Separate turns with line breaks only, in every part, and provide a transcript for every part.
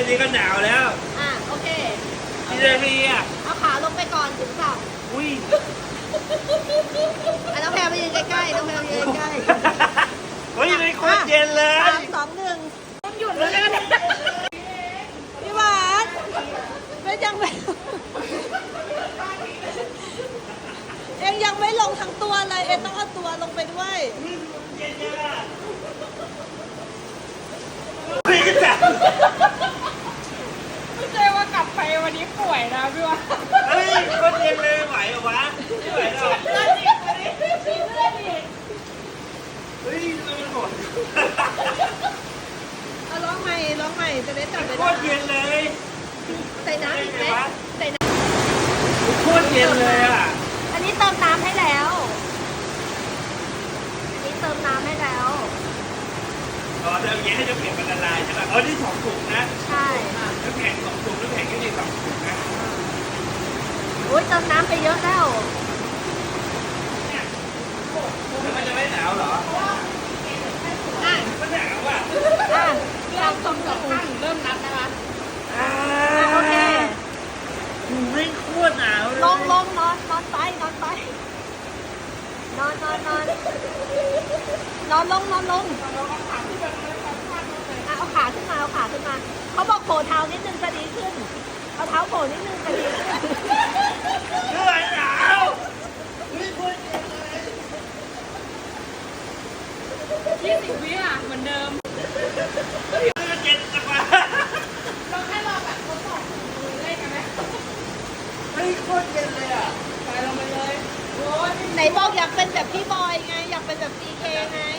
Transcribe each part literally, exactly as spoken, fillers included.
นี้ก็หนาวแล้ว
อ่ะโอเค
กี่นาทีอ่ะ
เอาขาลงไปก่อนถึงสับ
อุ้ย
อ่ะน้องแพรมายืนใกล้ๆน้องแพรมายืนใกล้
เฮ้ยไม่โคตรเย็นเลย
สามสองหนึ่งต้องหยุดแล้วกันพี่หวานไม่ยังไม่เอ็งยังไม่ลงทั้งตัวเลยเอ็งต้องเอาตัวลงไปด้วย
เย็นจังอ่ะคุยกันจัง
ไม่ใช่ว่ากลับไปวันนี้ป่วยนะพี่วะ
เฮ้ยโคตรเย็นเลยไหวเหรอวะไม่ไหวหรอก
เลือดอีกวันนี้เลือดอีก
เฮ้ยมันโหด
เอาร้องใหม่ร้องใหม่จะได้จับเว
โค
ลา
ตรเย็นเลย
ใส่น้ำอีกไหมใส่น้
โคตรเย็นเลยอ่ะ
ำอันนี้เติมน้ำให้แล้ว อันนี้เติมน้ำให้แล้ว
อ๋อเดี๋ยวอย่างเงี้ยให้น้ำแข็งมันละลายใช่ป่ะอ๋อนี่สองถุงนะ
ใช่
น้ำแข็งสองถุงน้ำแข็งก็มีสองถุงนะ
โอ้ยเติมน้ำไปเยอะแล้ว
แล้วมันจะไม่หนาวเหรอ
อ่ะ
มันหนาวอ่ะ
อ่ะ
เริ่มสองสองข้างเริ่มนับนะคะ
อ่า
โอเค
ไม่โคตรหนาวเลย
ลงลงนอนนอนไปนอนไปนอนนอนนอนนอนลงนอนลงอ่ะเอาขาขึ้นมาเอาขาขึ้นมาเขาบอกโผล่เท้านิดนึงจะดีขึ้นเอาเท้าโผล่นิดนึงจะดีขึ้น
ไม่ไหวหนาว
ยี่สิบวิอ่ะเหมือนเดิม
มันเย็นจังวะ
เราแค่รอแบบทดสอบมือเล่นกันไหม
เฮ้ยโคตรเย็นเลยอ่ะ
ไปลงไปเลยโอ้ย
ไหนบอกอยากเป็นแบบพี่บอยไงอยากเป็นแบบซีเคไง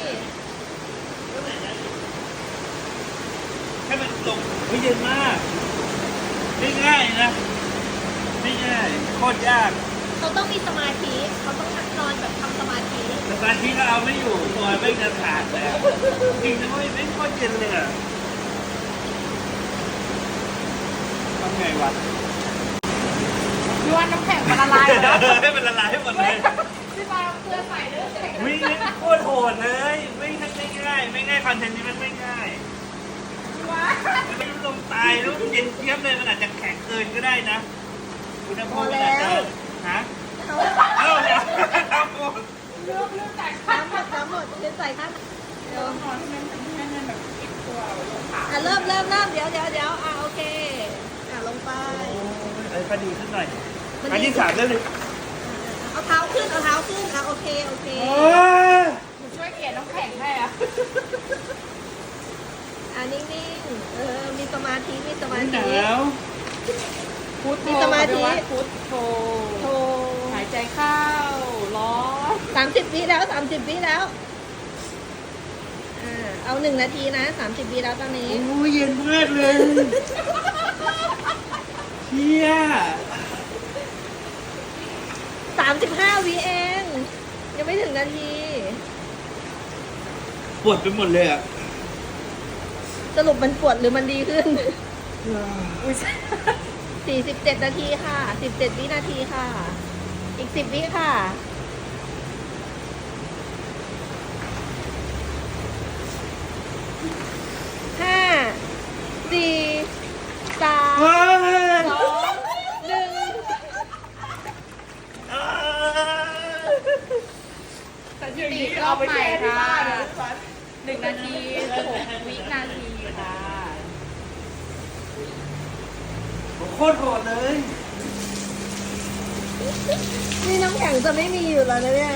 ให้มันลงเฮ้ยเย็นมากไม่ง่ายนะไม่ง่ายโคตรยาก
เขาต้องมีสมาธิเขาต้องนั่งนอนแบบทำสมาธิ
แต่ตอนที่ก็เอาไม่อยู่ตัวไม่จะขาดเลยอะจริงนะเว้ยไม่โคตรเย็นเลยอ่ะทำไงวะ
พี่ว่าน้ำแข็งมันละลายแล้ว
ให้มันละลายให้หมดเลย
พี่ปาเสื้อใส่เนื้อแข็ง
วิ่งโคตรโหดเลย ไม่ไม่ง่ายไม่ง่ายคอนเทนต์นี้มันไม่ง่าย
พี่ว่า
มันไม่ลงตายแล้วมันเย็นเทียบเลยมันอาจจะแข็งเกินก็ได้นะอุณหภูมิมันอาจจะฮะ
เขา
เอ้าเนี่ยครับผม
เลือกเลือกจากข้าง
น้ำหมดน้ำหมดเดี๋ยวใส่ข้างเดี๋ยว
นอนที่มันทำให้มันแบบติดตัวลงขา
อ่ะเริ่มเริ่มเริ่มเดี๋ยวเดี๋ยวเดี๋ยวอ่ะโอเคอ่ะลงไป
ไอ้พอดีขึ้นหน่อย
มัน
อัน
ดี
ที่สามได้เลย
เอาเท้าขึ้นเอาเท้าขึ้นอ่ะโอเคโอเค
โอ้ย
หนูช่วยเกลี่ยน้ำแข็งให้อ่ะ
อ่ะนิ่งๆเออมีสมาธิมีสมา
ห
ธิ
นาว
พุทโธ
มีสมาธิ
พุทโธ
โทร
หายใจเข้าร้อน
สามสิบวิแล้วสามสิบวิแล้วอ่าเอาหนึ่งนาทีนะสามสิบวิแล้วตอนนี้
โอ้ยเย็นมากเลยเฮีย
สามสิบห้าวิเองยังไม่ถึงนาที
ปวดไปหมดเลยอ่ะ
สรุปมันปวดหรือมันดีขึ้น สี่สิบเจ็ดนาทีค่ะ สิบเจ็ดวินาทีค่ะ อีกสิบวิค่ะ ห้า สี่ สาม
เฮ้ย
สองหนึ่ง
สถิติรอบใหม่ค่ะหนึ่งนาทีหกวินาทีค่ะ
โคตรโหดเลย
นี่น้ำแข็งจะไม่มีอยู่แล้วนะเนี่ย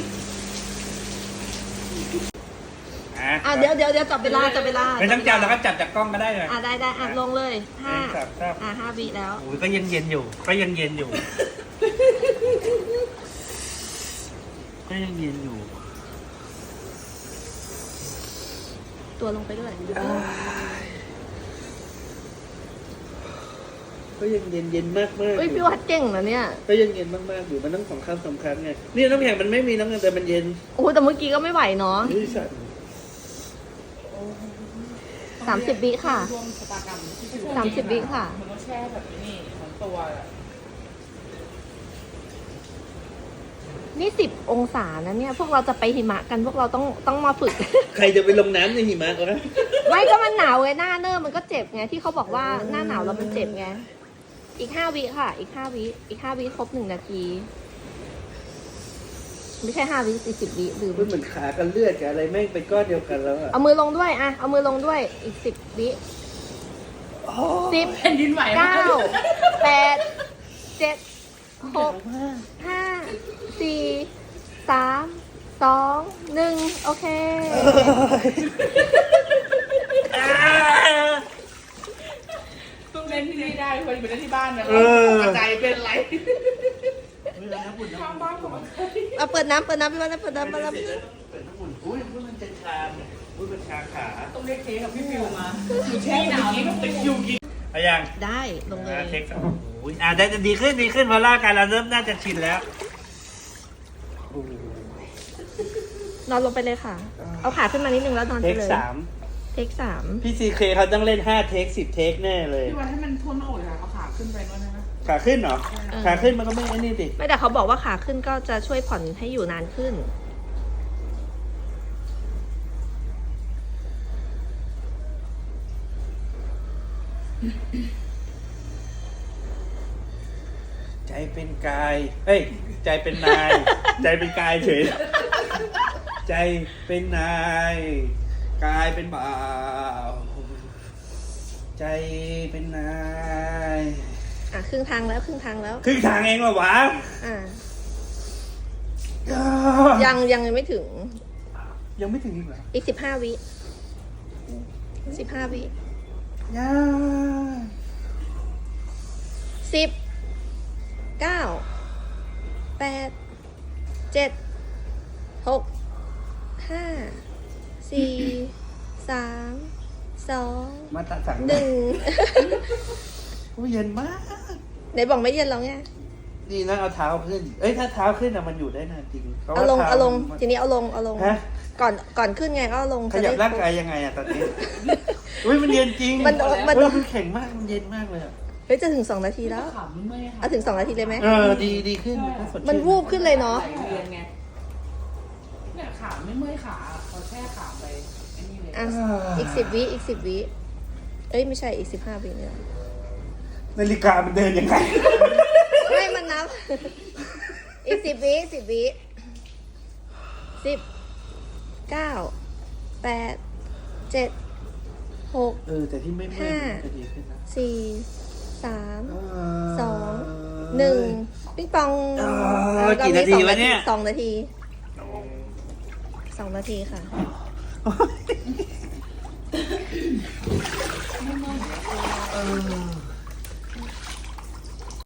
อ่ะเดี๋ยวเดี๋ยวเดี๋ยวจับเวลาจับเวลา
ไม่ต้องจับแล้วก็จับจากกล้องก็ได้เลย
อ่ะได้ได้อ่ะลงเลยห้า
จับจับ
อ่ะห้าวิแล้ว
โอ้ยก็ยังเย็นอยู่ ก็ยังเย็นอยู่ ก็ยังเย็นอยู่
ตัวลงไปด้วย
ก็ยังเย็นเย็นมากมาก
เฮ้ยพี่วัดเก่งนะเนี่ย
ก็ยังเย็นมากมากอยู่มันต้องสองครั้งสองครั้งไงนี่น้ำแข็งมันไม่มีน้ำแข็งแต่มันเย็น
โอ้โหแต่เมื่อกี้ก็ไม่ไหวเนาะ
นี่สัตว์
สามสิบวิค่ะ
รวมชะตากรรมที่ถูก
สามสิบวิค่ะ
มันต้องแช่แบบนี้ทั้งตัวอะ
นี่สิบองศานะเนี่ย พวกเราจะไปหิมะกันพวกเราต้องต้องมาฝึก
ใครจะไปลงน้ำในหิมะวะ
ไม่ก็มันหนาวไงหน้าเนิ่มมันก็เจ็บไงที่เขาบอกว่าหน้าหนาวแล้วมันเจ็บไงอีกห้าวิค่ะ อีกห้าวิอีกห้าวิครบหนึ่งนาที ไม่ใช่ห้าวิสี่สิบวิลืม
มันเหมือนขากันเลือดกับอะไรแม่งเป็นก้อนเดียวกันแล้วอะ
เอามือลงด้วยอะเอามือลงด้วยอีกสิบวิสิบ
แผ่นดินไหวม
เก้าแปดเจ็ดหกห้าสี่สามสองหนึ่งโอเค
ต้องเล่นที่นี่ได้พอดีไปเล่นที่บ้านนะ
เออ
กระจายเป็นไรข้างบ้านของมัน
เอาเปิดน้ำเปิดน้ำพี่วันนะเปิดน้ำเปิดน้ำ
เปิดน้ำอุ่นอุ้ยมันจะชาเนี่ยอุ้ยมันชาขา
ต้องเรียกเค้กกับพี่ฟิวมาอยู่แช่หนาวนี่ก็เป็นอยู่กิน
เอายัง
ได้ลงเลย
เทคโอ้ยอ่ะได้จะดีขึ้นดีขึ้นเพราะร่างกายเราเริ่มน่าจะชินแล้วโอ้โห
นอนลงไปเลยค่ะ เอาขาขึ้นมานิดนึงแล้วนอน
เท
ไป
ค
เลย
สาม
เทคสาม
พี่ซีเคเขาต้องเล่นห้าเทคสิบเทคแน่เลย
พี่วันให้มันทุ่นอกเลยค่ะเอาขาขึ้นไปด้วยนะ
ขาขึ้นเหรอขาขึ้นมันก็ไม่ไอ้นี่ดิ
ไม่แต่เขาบอกว่าขาขึ้นก็จะช่วยผ่อนให้อยู่นานขึ้น
ใจเป็นกายเอ้ยใจเป็นนาย ใจเป็นกายเฉยใจเป็นนายกายเป็นบ่าวใจเป็นนาย
อ่ะครึ่งทางแล้วครึ่งทางแล้ว
ครึ่งทางเองเหรอวะ
อ่ายังยังไม่ถึง
ยังไม่ถึงอีกเหรอ
อีกสิบห้าวิสิบห้าวิ
ยัง
สิบเก้าแปดเจ็ดหกห้าสี่สามสอง
มาตัดสั่ง
หนึ่ง
โอ้ยเย็นมาก
ไหนบอกไม่เย็นแล้วไง
นี่นะเอาเท้าขึ้น เอ้ยถ้าเท้าขึ้นอะมันอยู่ได้นานจริงพระว่
เอาลง
ท้
เอาลง
มัน
ทีนี้เอาลงเอาลง
ฮะ
ก่อนก่อนขึ้นไงก็เอาลง
ขยับ
จะได้
ร่างกายยังไงอะตอนนี้ อุ้ยมันเย็นจริง
มันโดนมัน
เฮ้
โด
ย
น
มันแข็งมากมันเย็นมากเลยอะ
เฮ้ยจะถึงสองนาทีแล้ว
ขำเมื่อยค่ะ
เอาถึงสองนาทีเลยไหม
เออดีดีขึ้นสดชื่
มันวูบขึ้นเลยเนาะ
ไหลเวียนไงเนี่ยขาไม่เมื่อยขาเขาแช่ขาไปไอ้นี่เลย
อ่ะอีกสิบวิอีกสิบวิเอ้ยไม่ใช่อีกสิบห้าวิเนี่ย
นาฬิกามันเดินยังไง
ไม่มันนับ อีกสิบวิสิบวิสิบเก้าแปดเจ็ดหก
เออแต่ที่ไม่เมื่อย
ห้า
มันจะดีขึ้นนะ
สี่สาม
เ
สองหนึ่งปิ๊งปอง
เออ
อ่ะ
กี่นาทีวะเนี่ย
สองนาทีสองนาทีค่ะ
เออ